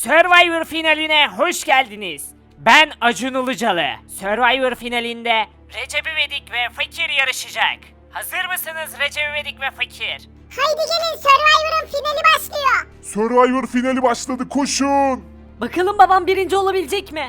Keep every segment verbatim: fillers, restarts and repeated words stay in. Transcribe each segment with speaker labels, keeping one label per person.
Speaker 1: Survivor finaline hoş geldiniz. Ben Acun Ilıcalı. Survivor finalinde Recep İvedik ve Fakir yarışacak. Hazır mısınız Recep İvedik ve Fakir?
Speaker 2: Haydi gelin, Survivor'ın finali başlıyor.
Speaker 3: Survivor finali başladı, koşun.
Speaker 4: Bakalım babam birinci olabilecek mi?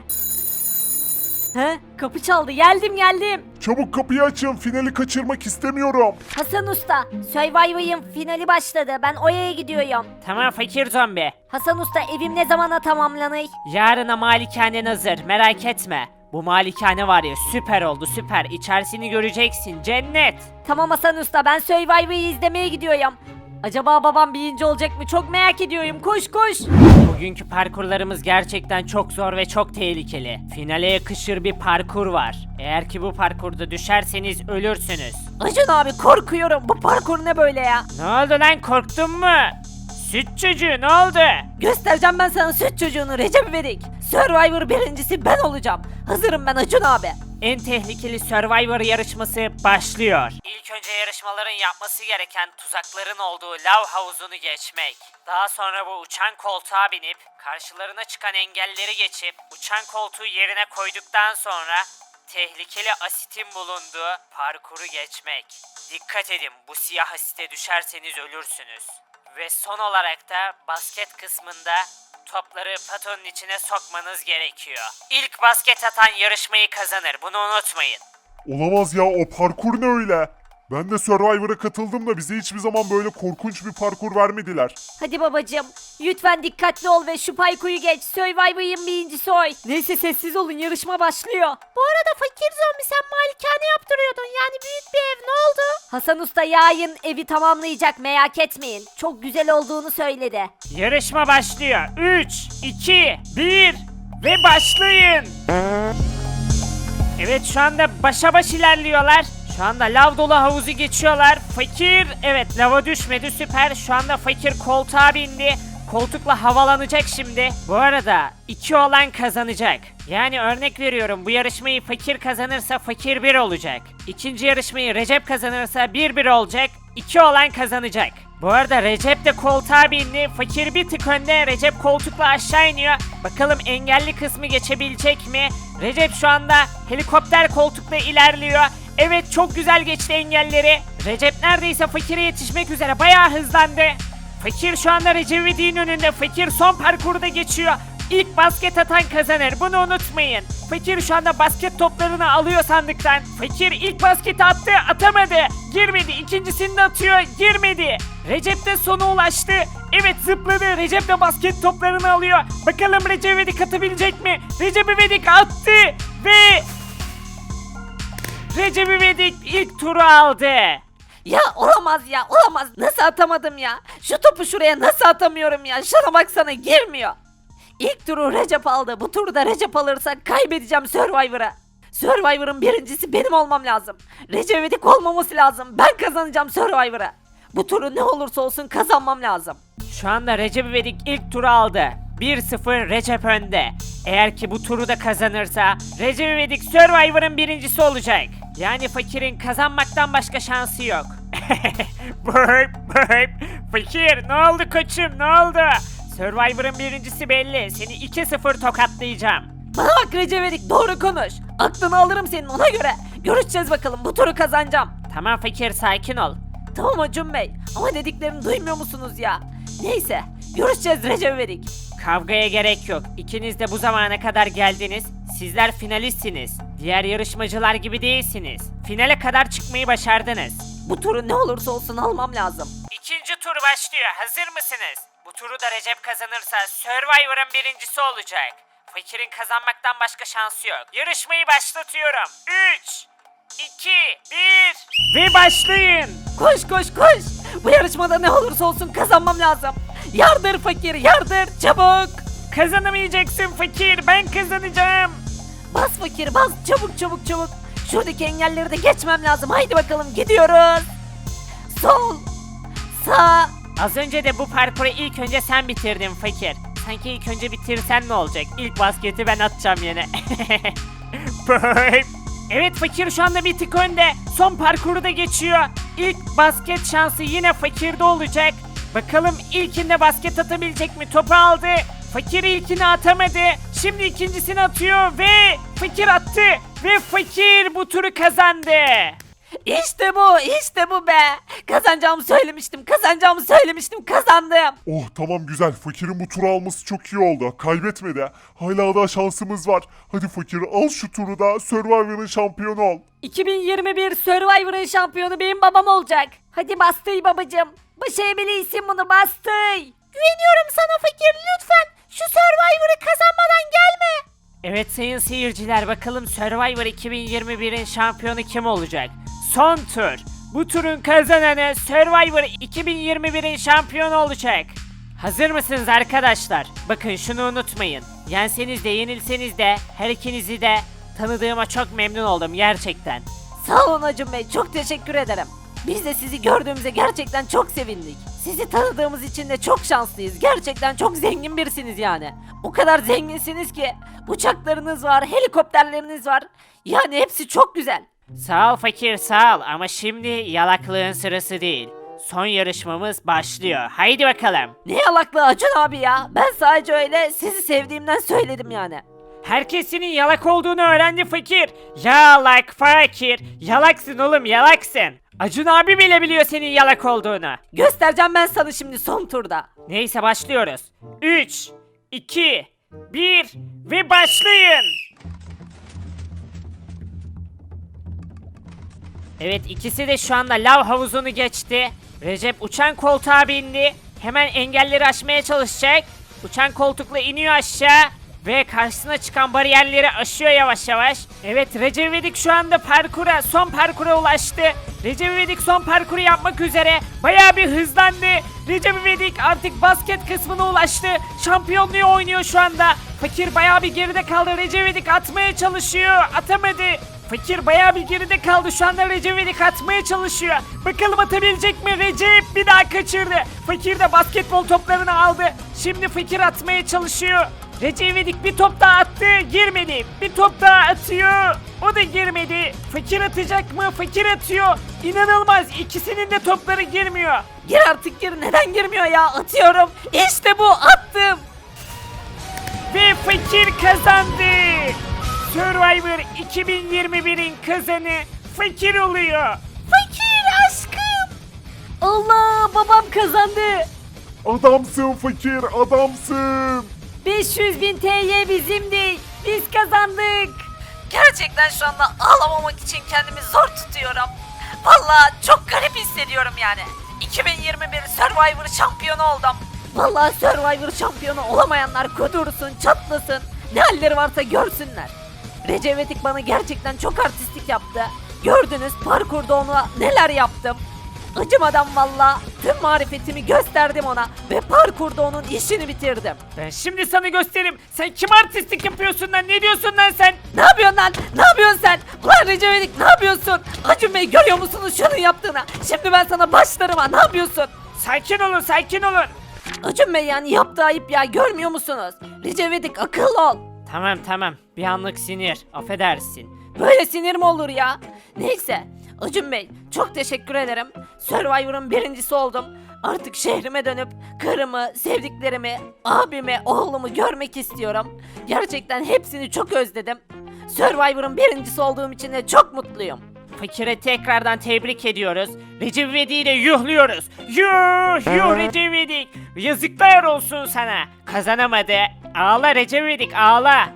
Speaker 4: He? Kapı çaldı. Geldim geldim.
Speaker 3: Çabuk kapıyı açın, finali kaçırmak istemiyorum.
Speaker 4: Hasan Usta, Survivor'ın finali başladı. Ben Oya'ya gidiyorum.
Speaker 1: Tamam Fakir zombi.
Speaker 4: Hasan Usta, evim ne zamana tamamlanır?
Speaker 1: Yarına malikanen hazır, merak etme. Bu malikane var ya, süper oldu süper. İçerisini göreceksin, cennet.
Speaker 4: Tamam Hasan Usta, ben Survivor'ı izlemeye gidiyorum. Acaba babam birinci olacak mı? Çok merak ediyorum. Koş koş.
Speaker 1: Bugünkü parkurlarımız gerçekten çok zor ve çok tehlikeli. Finale yakışır bir parkur var. Eğer ki bu parkurda düşerseniz ölürsünüz.
Speaker 4: Acun abi, korkuyorum. Bu parkur ne böyle ya?
Speaker 1: Ne oldu lan, korktun mu? Süt çocuğu ne oldu?
Speaker 4: Göstereceğim ben sana süt çocuğunu Recep İvedik. Survivor birincisi ben olacağım. Hazırım ben Acun abi.
Speaker 1: En tehlikeli Survivor yarışması başlıyor. İlk önce yarışmaların yapması gereken tuzakların olduğu lav havuzunu geçmek. Daha sonra bu uçan koltuğa binip karşılarına çıkan engelleri geçip uçan koltuğu yerine koyduktan sonra tehlikeli asitin bulunduğu parkuru geçmek. Dikkat edin, bu siyah asite düşerseniz ölürsünüz. Ve son olarak da basket kısmında topları patonun içine sokmanız gerekiyor. İlk basket atan yarışmayı kazanır, bunu unutmayın.
Speaker 3: Olamaz ya, o parkur ne öyle? Ben de Survivor'a katıldım da bize hiçbir zaman böyle korkunç bir parkur vermediler.
Speaker 4: Hadi babacığım, lütfen dikkatli ol ve şu paykuyu geç. Survivor'ın birincisi oy. Neyse sessiz olun, yarışma başlıyor. Bu arada fakir zombi, sen malikane yaptırıyordun. Yani büyük bir ev, ne oldu? Hasan Usta yarın evi tamamlayacak, merak etmeyin. Çok güzel olduğunu söyledi.
Speaker 1: Yarışma başlıyor. üç, iki, bir ve başlayın. Evet, şu anda başa baş ilerliyorlar. Şu anda lav dolu havuzu geçiyorlar. Fakir, evet, lava düşmedi, süper. Şu anda fakir koltuğa bindi. Koltukla havalanacak şimdi. Bu arada iki olan kazanacak. Yani örnek veriyorum, bu yarışmayı fakir kazanırsa fakir bir olacak. İkinci yarışmayı Recep kazanırsa bir bir olacak. iki olan kazanacak. Bu arada Recep de koltuğa bindi. Fakir bir tık önde. Recep koltukla aşağı iniyor. Bakalım engelli kısmı geçebilecek mi? Recep şu anda helikopter koltukla ilerliyor. Evet, çok güzel geçti engelleri. Recep neredeyse fakire yetişmek üzere. Bayağı hızlandı. Fakir şu anda Recep İvedik'in önünde. Fakir son parkurda geçiyor. İlk basket atan kazanır. Bunu unutmayın. Fakir şu anda basket toplarını alıyor sandıktan. Fakir ilk basketi attı, atamadı. Girmedi. İkincisini de atıyor, girmedi. Recep de sona ulaştı. Evet, zıpladı. Recep de basket toplarını alıyor. Bakalım Recep İvedik atabilecek mi? Recep İvedik attı ve Recep İvedik ilk turu aldı.
Speaker 4: Ya olamaz ya, olamaz. Nasıl atamadım ya? Şu topu şuraya nasıl atamıyorum ya? Şuna baksana, girmiyor. İlk turu Recep aldı. Bu turu da Recep alırsa kaybedeceğim Survivor'a. Survivor'ın birincisi benim olmam lazım. Recep İvedik olmaması lazım. Ben kazanacağım Survivor'a. Bu turu ne olursa olsun kazanmam lazım.
Speaker 1: Şu anda Recep İvedik ilk turu aldı. bir sıfır Recep önde. Eğer ki bu turu da kazanırsa Recep İvedik Survivor'ın birincisi olacak. Yani fakirin kazanmaktan başka şansı yok. Böp böp. Fakir, ne oldu koçum, ne oldu? Survivor'ın birincisi belli. Seni iki sıfır tokatlayacağım.
Speaker 4: Bana bak Recep İvedik, doğru konuş. Aklını alırım senin, ona göre. Görüşeceğiz bakalım, bu turu kazanacağım.
Speaker 1: Tamam fakir, sakin ol.
Speaker 4: Tamam Acun Bey, ama dediklerimi duymuyor musunuz ya? Neyse, görüşeceğiz Recep İvedik.
Speaker 1: Kavgaya gerek yok. İkiniz de bu zamana kadar geldiniz. Sizler finalistsiniz. Diğer yarışmacılar gibi değilsiniz. Finale kadar çıkmayı başardınız.
Speaker 4: Bu turu ne olursa olsun almam lazım.
Speaker 1: İkinci tur başlıyor. Hazır mısınız? Bu turu da Recep kazanırsa Survivor'ın birincisi olacak. Fakir'in kazanmaktan başka şansı yok. Yarışmayı başlatıyorum. üç, iki, bir ve başlayın.
Speaker 4: Koş koş koş. Bu yarışmada ne olursa olsun kazanmam lazım. Yardır fakir, yardır çabuk.
Speaker 1: Kazanamayacaksın fakir, ben kazanacağım.
Speaker 4: Bas fakir bas, çabuk çabuk çabuk. Şuradaki engelleri de geçmem lazım. Haydi bakalım, gidiyoruz. Sol, sağ.
Speaker 1: Az önce de bu parkuru ilk önce sen bitirdin fakir. Sanki ilk önce bitirsen ne olacak? İlk basketi ben atacağım yine. Evet, fakir şu anda bir tık önde. Son parkuru da geçiyor. İlk basket şansı yine fakirde olacak. Bakalım ilkinde basket atabilecek mi? Topu aldı. Fakir ilkini atamadı. Şimdi ikincisini atıyor ve Fakir attı. Ve Fakir bu turu kazandı.
Speaker 4: İşte bu, işte bu be. Kazanacağımı söylemiştim, kazanacağımı söylemiştim, kazandım.
Speaker 3: Oh tamam güzel. Fakirin bu turu alması çok iyi oldu. Kaybetmedi. Hala daha şansımız var. Hadi Fakir al şu turu da Survivor'ın şampiyonu ol.
Speaker 4: iki bin yirmi bir Survivor'ın şampiyonu benim babam olacak. Hadi Bastıy babacım. Başarabilirsin bunu Bastıy. Güveniyorum sana Fakir, lütfen. Şu Survivor'ı kazanmadan gelme.
Speaker 1: Evet sayın seyirciler, bakalım Survivor iki bin yirmi birin şampiyonu kim olacak? Son tur. Bu turun kazananı Survivor iki bin yirmi birin şampiyonu olacak. Hazır mısınız arkadaşlar? Bakın şunu unutmayın. Yenseniz de yenilseniz de her ikinizi de tanıdığıma çok memnun oldum gerçekten.
Speaker 4: Sağ olun Acun Bey, çok teşekkür ederim. Biz de sizi gördüğümüze gerçekten çok sevindik. Sizi tanıdığımız için de çok şanslıyız. Gerçekten çok zengin birisiniz yani. O kadar zenginsiniz ki uçaklarınız var, helikopterleriniz var. Yani hepsi çok güzel.
Speaker 1: Sağ ol Fakir sağ ol ama şimdi yalaklığın sırası değil. Son yarışmamız başlıyor. Haydi bakalım.
Speaker 4: Ne yalaklığı Acun abi ya. Ben sadece öyle sizi sevdiğimden söyledim yani.
Speaker 1: Herkes senin yalak olduğunu öğrendi Fakir. Yalak Fakir. Yalaksın oğlum yalaksın. Acun abi bile biliyor senin yalak olduğunu.
Speaker 4: Göstereceğim ben sana şimdi son turda.
Speaker 1: Neyse başlıyoruz. üç, iki, bir ve başlayın. Evet ikisi de şu anda lav havuzunu geçti. Recep uçan koltuğa bindi. Hemen engelleri aşmaya çalışacak. Uçan koltukla iniyor aşağı. Ve karşısına çıkan bariyerleri aşıyor yavaş yavaş. Evet Recep İvedik şu anda parkura, son parkura ulaştı. Recep İvedik son parkuru yapmak üzere. Bayağı bir hızlandı. Recep İvedik artık basket kısmına ulaştı. Şampiyonluğu oynuyor şu anda. Fakir bayağı bir geride kaldı. Recep İvedik atmaya çalışıyor. Atamadı. Fakir bayağı bir geride kaldı. Şu anda Recep İvedik atmaya çalışıyor. Bakalım atabilecek mi? Recep bir daha kaçırdı. Fakir de basketbol toplarını aldı. Şimdi Fakir atmaya çalışıyor. Recep İvedik bir top daha attı. Girmedi. Bir top daha atıyor. O da girmedi. Fakir atacak mı? Fakir atıyor. İnanılmaz. İkisinin de topları girmiyor.
Speaker 4: Gir artık gir. Neden girmiyor ya? Atıyorum. İşte bu, attım.
Speaker 1: Ve Fakir kazandı. Survivor iki bin yirmi birin kazanı Fakir oluyor.
Speaker 4: Fakir aşkım. Allah, babam kazandı.
Speaker 3: Adamsın Fakir adamsın.
Speaker 4: beş yüz bin T L bizimdi. Biz kazandık. Gerçekten şu anda ağlamamak için kendimi zor tutuyorum. Vallahi çok garip hissediyorum yani. iki bin yirmi bir Survivor şampiyonu oldum. Vallahi Survivor şampiyonu olamayanlar kudursun, çatlasın. Ne halleri varsa görsünler. Recep İvedik bana gerçekten çok artistik yaptı. Gördünüz parkurda ona neler yaptım. Acımadan valla tüm marifetimi gösterdim ona ve parkurda onun işini bitirdim.
Speaker 1: Ben şimdi sana gösteririm. Sen kim artistlik yapıyorsun lan? Ne diyorsun lan sen?
Speaker 4: Ne yapıyorsun lan? Ne yapıyorsun sen? Ulan Recep İvedik ne yapıyorsun? Acun Bey görüyor musunuz şunun yaptığını? Şimdi ben sana başlarım ha, ne yapıyorsun?
Speaker 1: Sakin olun sakin olun.
Speaker 4: Acun Bey yani yaptığı ayıp ya, görmüyor musunuz? Recep İvedik akıllı ol.
Speaker 1: Tamam tamam bir anlık sinir affedersin.
Speaker 4: Böyle sinir mi olur ya? Neyse Acun Bey çok teşekkür ederim. Survivor'ın birincisi oldum. Artık şehrime dönüp karımı, sevdiklerimi, abimi, oğlumu görmek istiyorum. Gerçekten hepsini çok özledim. Survivor'ın birincisi olduğum için de çok mutluyum.
Speaker 1: Fakire tekrardan tebrik ediyoruz. Recep İvedik'i de yuhluyoruz. Yuh yuh Recep İvedik. Yazıklar olsun sana. Kazanamadı. Ağla Recep İvedik ağla.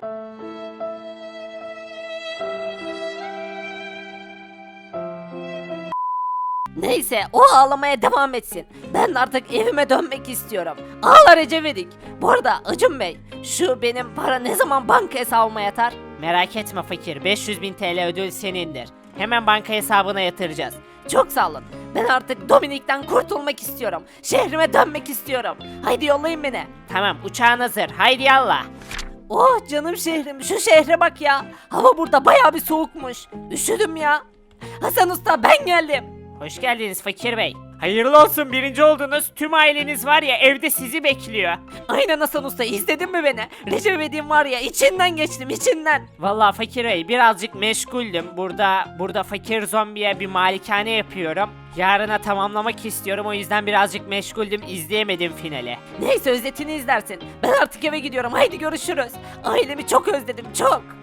Speaker 4: Neyse o ağlamaya devam etsin. Ben artık evime dönmek istiyorum. Ağla Recep İvedik. Bu arada Acun Bey şu benim para ne zaman banka hesabıma yatar?
Speaker 1: Merak etme fakir beş yüz bin T L ödül senindir. Hemen banka hesabına yatıracağız.
Speaker 4: Çok sağ olun. Ben artık Dominik'ten kurtulmak istiyorum. Şehrime dönmek istiyorum. Haydi yollayın beni.
Speaker 1: Tamam uçağın hazır haydi yallah.
Speaker 4: Oh canım şehrim, şu şehre bak ya. Hava burada bayağı bir soğukmuş. Üşüdüm ya. Hasan Usta ben geldim.
Speaker 1: Hoş geldiniz fakir bey. Hayırlı olsun, birinci oldunuz. Tüm aileniz var ya evde sizi bekliyor.
Speaker 4: Aynen Hasan Usta, izledin mi beni? Recep İvedik'in var ya, içinden geçtim içinden.
Speaker 1: Vallahi Fakir Bey birazcık meşguldüm. Burada burada fakir zombiye bir malikane yapıyorum. Yarına tamamlamak istiyorum, o yüzden birazcık meşguldüm, izleyemedim finali.
Speaker 4: Neyse, özetini izlersin. Ben artık eve gidiyorum, haydi görüşürüz. Ailemi çok özledim, çok.